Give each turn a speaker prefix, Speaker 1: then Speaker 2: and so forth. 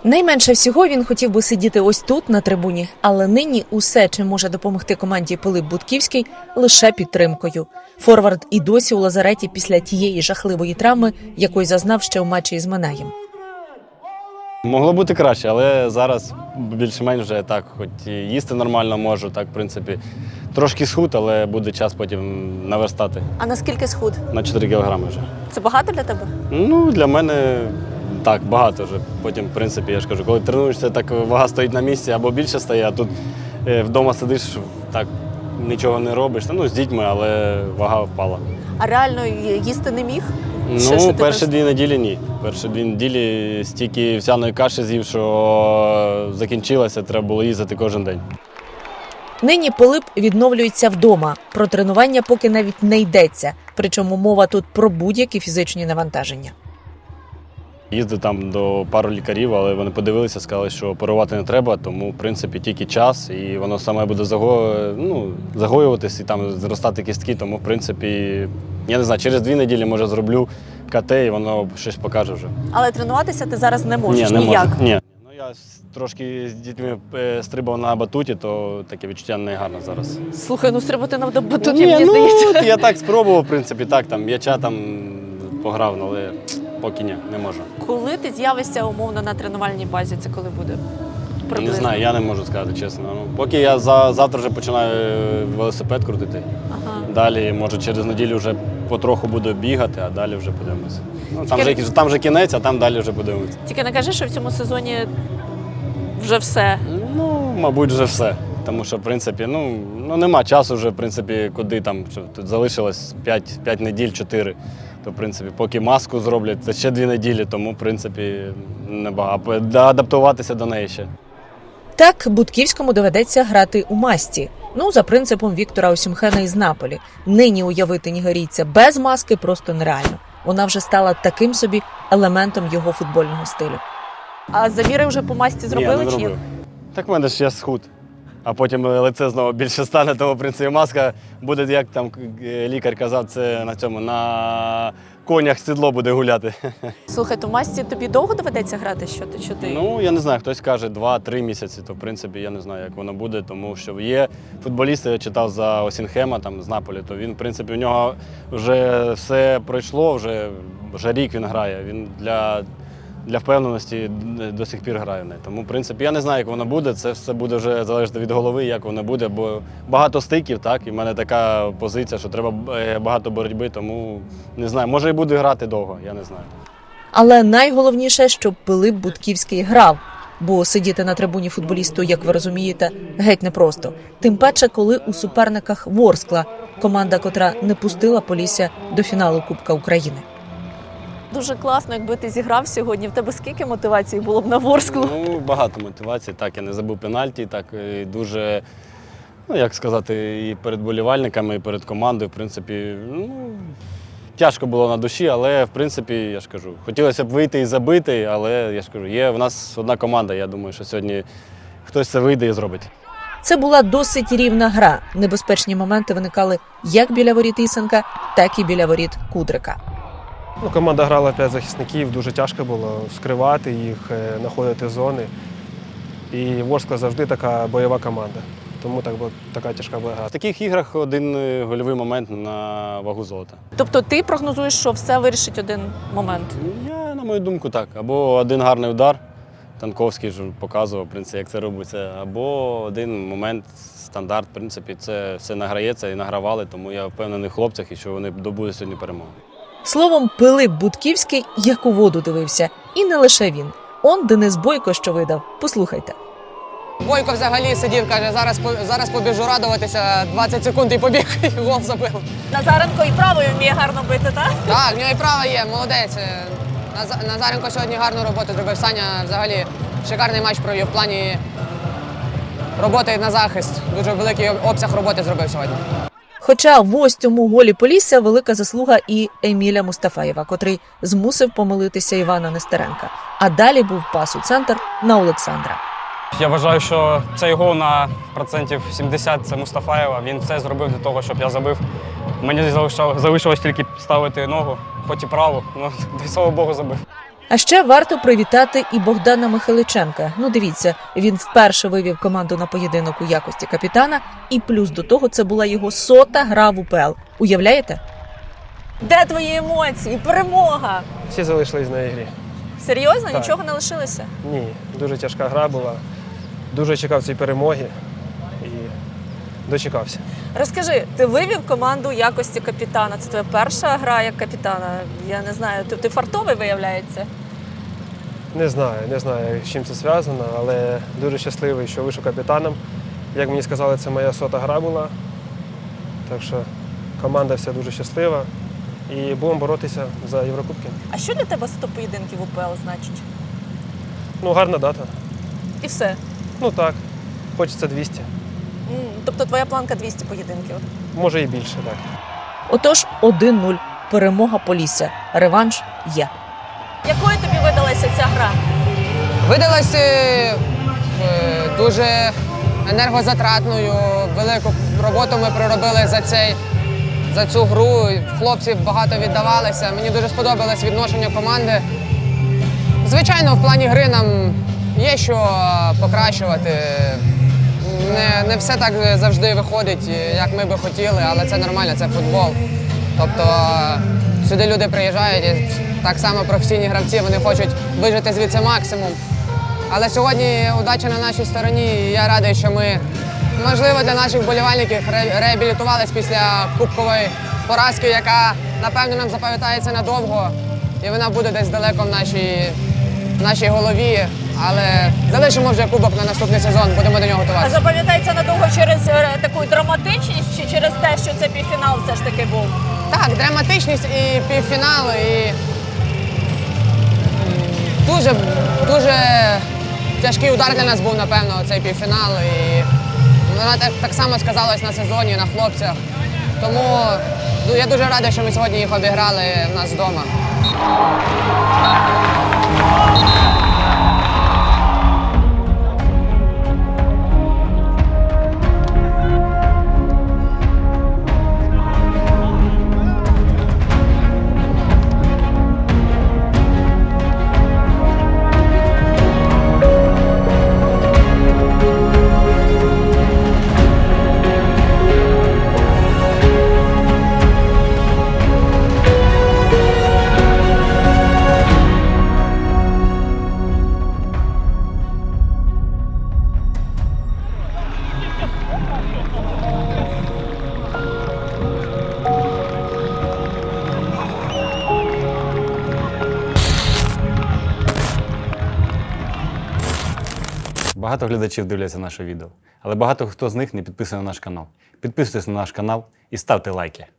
Speaker 1: Найменше всього він хотів би сидіти ось тут, на трибуні, але нині усе, чим може допомогти команді Пилип Будківський, лише підтримкою. Форвард і досі у лазареті після тієї жахливої травми, якої зазнав ще у матчі із Минаєм.
Speaker 2: Могло бути краще, але зараз більш-менш вже так, хоч і їсти нормально можу, так, в принципі, трошки схуд, але буде час потім наверстати.
Speaker 1: А наскільки схуд?
Speaker 2: На 4 кілограми вже.
Speaker 1: Це багато для тебе?
Speaker 2: Ну, для мене так, багато вже. Потім, в принципі, я ж кажу, коли тренуєшся, так вага стоїть на місці або більше стає, а тут вдома сидиш, так нічого не робиш. Ну, з дітьми, але вага впала.
Speaker 1: А реально їсти не міг?
Speaker 2: Ну, перші 2 неділі ні. Перші 2 неділі стільки всяної каші з'їв, що закінчилося, треба було їздити кожен день.
Speaker 1: Нині Пилип відновлюється вдома. Про тренування поки навіть не йдеться. Причому мова тут про будь-які фізичні навантаження.
Speaker 2: Їздив там до пару лікарів, але вони подивилися, сказали, що оперувати не треба, тому, в принципі, тільки час, і воно саме буде загоюватись і там зростати кістки, тому, в принципі, я не знаю, через 2 неділі, може, зроблю КТ, і воно щось покаже вже.
Speaker 1: Але тренуватися ти зараз не можеш
Speaker 2: не
Speaker 1: ніяк?
Speaker 2: Можу. Ні. Ну, я трошки з дітьми стрибав на батуті, то таке відчуття не гарне зараз.
Speaker 1: Слухай, ну стрибати на батуті, мені здається.
Speaker 2: Я так спробував, в принципі, так, там м'яча там пограв, але поки ні, не можу.
Speaker 1: Коли ти з'явишся умовно на тренувальній базі, це коли буде? Приблизно.
Speaker 2: Не знаю, я не можу сказати, чесно. Ну, поки я завтра вже починаю велосипед крутити.
Speaker 1: Ага.
Speaker 2: Далі, може, через неділю вже потроху буду бігати, а далі вже подивимося. Ну, там вже кінець, а там далі вже подивимося.
Speaker 1: Тільки не кажи, що в цьому сезоні вже все.
Speaker 2: Ну, мабуть, вже все. Тому що, в принципі, нема часу вже, в принципи, куди там. Тут залишилось 5 неділь, 4. То, в принципі, поки маску зроблять, це ще 2 неділі, тому, в принципі, небагато. Адаптуватися до неї ще.
Speaker 1: Так, Будківському доведеться грати у масці. Ну, за принципом Віктора Осімхена із Наполі. Нині уявити нігерійця без маски просто нереально. Вона вже стала таким собі елементом його футбольного стилю. А заміри вже по масці зробили?
Speaker 2: Ні, не зробив. Так в мене ж я схуд. А потім лице знову більше стане, тому, в принципі, маска буде, як там лікар казав, це на конях сідло буде гуляти.
Speaker 1: Слухай, то в масці тобі довго доведеться грати? Що ти?
Speaker 2: Ну, я не знаю, хтось каже 2-3 місяці, то, в принципі, я не знаю, як воно буде, тому що є футболісти, я читав за Осінхема, там, з Наполі, то він, в принципі, у нього вже все пройшло, вже рік він грає, він для впевненості до сих пір грає в неї. Тому, в принципі, я не знаю, як воно буде, це все буде вже залежати від голови, як воно буде, бо багато стиків, так, і в мене така позиція, що треба багато боротьби, тому не знаю, може і буде грати довго, я не знаю.
Speaker 1: Але найголовніше, щоб Пилип Будківський грав, бо сидіти на трибуні футболісту, як ви розумієте, геть непросто. Тим паче, коли у суперниках Ворскла, команда, котра не пустила Полісся до фіналу Кубка України. Дуже класно, якби ти зіграв сьогодні. В тебе скільки мотивації було б на Ворсклу?
Speaker 2: Ну, багато мотивації. Так, я не забув пенальті, так, і дуже, як сказати, і перед болівальниками, і перед командою, в принципі, тяжко було на душі, але, в принципі, я ж кажу, хотілося б вийти і забити, але, я ж кажу, є в нас одна команда, я думаю, що сьогодні хтось це вийде і зробить.
Speaker 1: Це була досить рівна гра. Небезпечні моменти виникали як біля воріт Ісенка, так і біля воріт Кудрика.
Speaker 3: Команда грала 5 захисників, дуже тяжко було скривати їх, знаходити зони. І Ворскла завжди така бойова команда, тому така тяжка була гра.
Speaker 2: В таких іграх один гольовий момент на вагу золота.
Speaker 1: Тобто ти прогнозуєш, що все вирішить один момент?
Speaker 2: Я, на мою думку, так. Або один гарний удар, Танковський ж показував, в принципі, як це робиться, або один момент, стандарт, в принципі, це все награється і награвали, тому я впевнений в хлопцях, і що вони добудуть сьогодні перемогу.
Speaker 1: Словом, Пилип Будківський як у воду дивився. І не лише він. Он Денис Бойко що видав. Послухайте.
Speaker 4: Бойко взагалі сидів, каже, зараз побіжу радуватися, 20 секунд і побіг, і гол забив.
Speaker 1: Назаренко і правою вміє гарно бити, так?
Speaker 4: Так, в нього і права є, молодець. Назаренко сьогодні гарну роботу зробив. Саня взагалі шикарний матч провів в плані роботи на захист. Дуже великий обсяг роботи зробив сьогодні.
Speaker 1: Хоча в ось цьому голі Полісся велика заслуга і Еміля Мустафаєва, котрий змусив помилитися Івана Нестеренка. А далі був пас у центр на Олександра.
Speaker 5: Я вважаю, що цей гол на процентів 70 – це Мустафаєва. Він все зробив для того, щоб я забив. Мені залишилось тільки ставити ногу, хоч і праву, але, слава Богу, забив.
Speaker 1: А ще варто привітати і Богдана Михайличенка. Ну, дивіться, він вперше вивів команду на поєдинок у якості капітана, і плюс до того це була його 100-та гра в УПЛ. Уявляєте?
Speaker 6: Де твої емоції? Перемога!
Speaker 3: Всі залишились на ігрі.
Speaker 6: Серйозно?
Speaker 3: Так.
Speaker 6: Нічого не лишилося?
Speaker 3: Ні, дуже тяжка гра була. Дуже чекав цієї перемоги і дочекався.
Speaker 6: Розкажи, ти вивів команду в якості капітана. Це твоя перша гра як капітана. Я не знаю, ти фартовий, виявляється?
Speaker 3: Не знаю, з чим це зв'язано, але дуже щасливий, що вийшов капітаном. Як мені сказали, це моя 100-та гра була. Так що команда вся дуже щаслива. І будемо боротися за Єврокубки.
Speaker 6: А що для тебе 100 поєдинків в УПЛ значить?
Speaker 3: Ну, гарна дата.
Speaker 6: І все.
Speaker 3: Ну так, хочеться 200.
Speaker 6: Тобто твоя планка 200 поєдинків.
Speaker 3: Може і більше, так.
Speaker 1: Отож, 1-0. Перемога Полісся. Реванш є.
Speaker 6: Якою тобі видалася ця гра?
Speaker 4: Видалася дуже енергозатратною, велику роботу ми проробили за цю гру. Хлопці багато віддавалися. Мені дуже сподобалось відношення команди. Звичайно, в плані гри нам є що покращувати. Не все так завжди виходить, як ми би хотіли, але це нормально, це футбол. Тобто сюди люди приїжджають, і так само професійні гравці, вони хочуть вижити звідси максимум. Але сьогодні удача на нашій стороні, і я радий, що ми, можливо, для наших вболівальників реабілітувалися після кубкової поразки, яка, напевно, нам запам'ятається надовго, і вона буде десь далеко в нашій голові. Але залишимо вже кубок на наступний сезон, будемо до нього
Speaker 6: А
Speaker 4: готуватися.
Speaker 6: запам'ятається надовго через таку драматичність чи через те, що це півфінал все ж таки був?
Speaker 4: Так, драматичність і півфінал, і дуже тяжкий удар для нас був, напевно, цей півфінал. І вона так само сказалась на сезоні, на хлопцях. Тому я дуже радий, що ми сьогодні їх обіграли в нас вдома.
Speaker 2: Багато глядачів дивляться наше відео, але багато хто з них не підписаний на наш канал. Підписуйтесь на наш канал і ставте лайки.